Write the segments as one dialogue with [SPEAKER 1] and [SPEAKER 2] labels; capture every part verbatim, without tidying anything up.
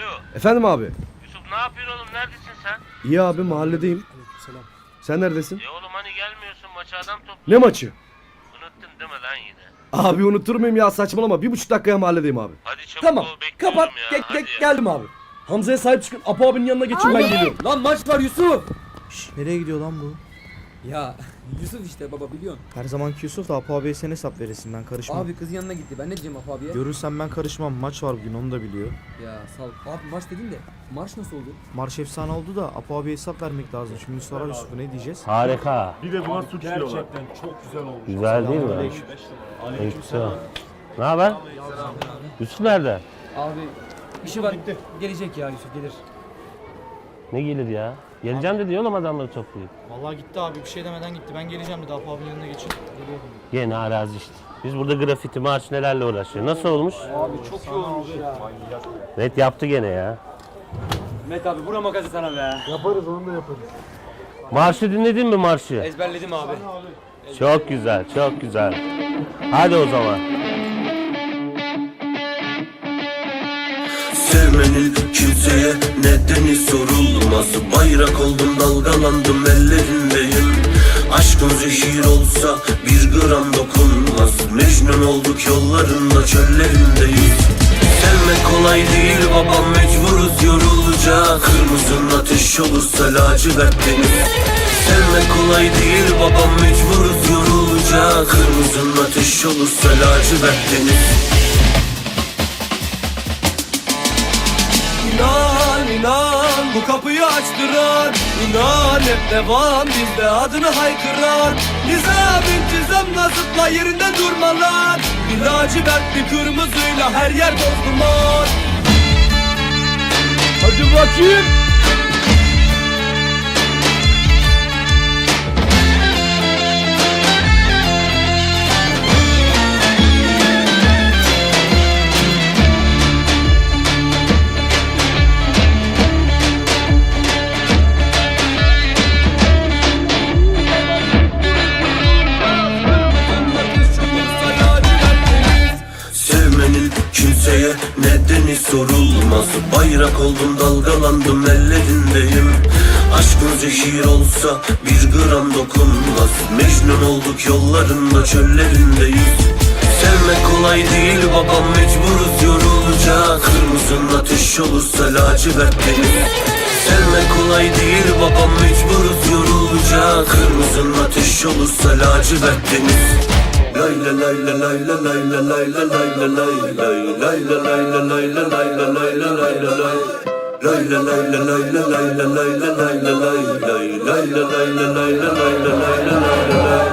[SPEAKER 1] Alo.
[SPEAKER 2] Efendim abi.
[SPEAKER 1] Yusuf ne yapıyorsun oğlum? Neredesin sen?
[SPEAKER 2] İyi abi, mahalledeyim.
[SPEAKER 3] Selam.
[SPEAKER 2] Sen neredesin?
[SPEAKER 1] E oğlum hani gelmiyorsun maça adam topluyor.
[SPEAKER 2] Ne maçı?
[SPEAKER 1] Unuttun değil mi lan yine?
[SPEAKER 2] Abi unutur muyum ya, saçmalama. Bir buçuk dakikaya mahalledeyim abi.
[SPEAKER 1] Hadi çabuk
[SPEAKER 2] Tamam.
[SPEAKER 1] ol bekliyorum
[SPEAKER 2] Kapat.
[SPEAKER 1] ya.
[SPEAKER 2] Gel,
[SPEAKER 1] Hadi
[SPEAKER 2] gel,
[SPEAKER 1] ya.
[SPEAKER 2] geldim abi. Hamza'ya sahip çıkın. Apo abinin yanına geçin, ben geliyorum.
[SPEAKER 3] Lan maç var Yusuf.
[SPEAKER 4] Şş, nereye gidiyor lan bu?
[SPEAKER 3] Ya Yusuf işte baba biliyorsun.
[SPEAKER 4] Her zamanki Yusuf da Apo abiye sen hesap veresin, ben karışmam.
[SPEAKER 3] Abi kız yanına gitti. Ben ne diyeceğim Apo abiye?
[SPEAKER 4] Görürsen ben karışmam, maç var bugün, onu da biliyor.
[SPEAKER 3] Ya sağ ol. Abi maç dedin de maç nasıl oldu?
[SPEAKER 4] Marş efsane oldu da Apo abiye hesap vermek lazım. Şimdi sorar Yusuf'a, ne diyeceğiz?
[SPEAKER 1] Harika.
[SPEAKER 5] Bir de buna suç diyorlar. Gerçekten çok güzel olmuş.
[SPEAKER 1] Güzel değil mi? Aleykümselam. Ne haber? Yusuf nerede?
[SPEAKER 3] Abi işi var. Gelecek ya Yusuf gelir.
[SPEAKER 1] Ne gelir ya? Geleceğim dedi oğlum adamları toplayıp.
[SPEAKER 4] Vallahi gitti abi, bir şey demeden gitti. Ben geleceğim dedi, Apo abinin yanına geçin. Geliyordum.
[SPEAKER 1] Gene arazi işte. Biz burada grafiti, marş nelerle uğraşıyor. Nasıl olmuş?
[SPEAKER 3] Abi çok iyi olmuş ya.
[SPEAKER 1] Net yaptı gene ya.
[SPEAKER 3] Met abi vura makası sana be.
[SPEAKER 5] Yaparız, onu da yaparız.
[SPEAKER 1] Marşı dinledin mi marşı?
[SPEAKER 3] Ezberledim abi.
[SPEAKER 1] Çok güzel, çok güzel. Hadi o zaman.
[SPEAKER 6] Sevmenin kimseye nedeni sorulmaz. Bayrak oldum, dalgalandım, ellerindeyim. Aşkın zehir olsa bir gram dokunmaz. Mecnun olduk yollarında, çöllerindeyiz. Sevmek kolay değil babam, mecburuz yorulacak. Kırmızın ateş olursa lacivert deniz. Sevmek kolay değil babam, mecburuz yorulacak. Kırmızın ateş olursa lacivert deniz.
[SPEAKER 2] İnan inan bu kapıyı açtıran, İnan hep devam bizde adını haykıran. Nizam intizamla zıpla yerinden durmalar. Bir lacivert bir kırmızıyla her yer toz duman. Hadi bakayım.
[SPEAKER 6] Sevmenin kimseye nedeni sorulmaz. Bayrak oldum, dalgalandım, ellerindeyim. Aşkın zehir olsa bir gram dokunmaz. Mecnun olduk yollarında, çöllerindeyiz. Sevmek kolay değil babam, mecburuz yorulacak. Kırmızın ateş olursa lacivert deniz. Sevmek kolay değil babam, mecburuz yorulacak. Kırmızın ateş olursa lacivert deniz. Lay la lay la lay la lay la lay la lay la lay lay lay la lay la lay la lay la lay la lay la lay lay la lay la lay la lay la lay la lay la lay lay lay la lay la lay la lay la lay la lay la lay.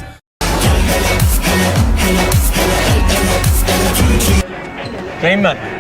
[SPEAKER 7] Kayın ben.